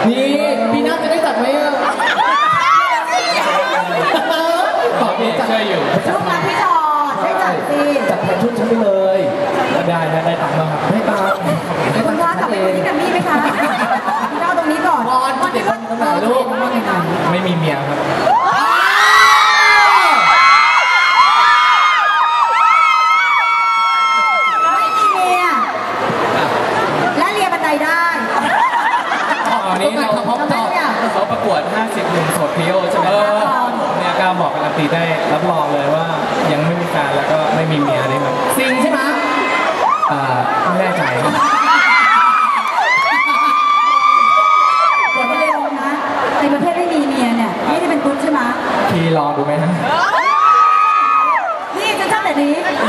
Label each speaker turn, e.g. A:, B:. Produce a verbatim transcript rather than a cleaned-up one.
A: นี่ปีหน้าจะได้จัดไหมอ่ะบอกเองช่วยอยู่
B: ลูกรักพี่จอได้จัดสิ
A: จัดแทนชุดฉันไปเลยได้ได้ได้ตังค์มาครับได้ตังค์
B: คุณว่ากลับไปคนที่แกรมมี่ไหมคะพี่เล่าตรงนี้ก่อนตอนที่ว่าลูก
A: ไม่มีเมียครับ
B: ไม่มีเมียและเรียนบันไดได้
A: ตอนนี้เราเขาประกวดห้าสิบหนุ่มโสดพิโอใช่ไหมเนี่ยก้าวบอกการันตีได้รับรองเลยว่ายังไม่มีแฟนแล้วก็ไม่มีเมียนี่แบบ
B: ซิงใช่ไหม
A: อ่าไม่แน่ใจครับ
B: อย่าไปเลยนะในประเทศไม่มีเมียเนี่ยไม่ได้เป็นตุ๊ดใช่ไหม
A: พี่ลองดูไหมฮะ
B: นี่จะชอบแบบนี้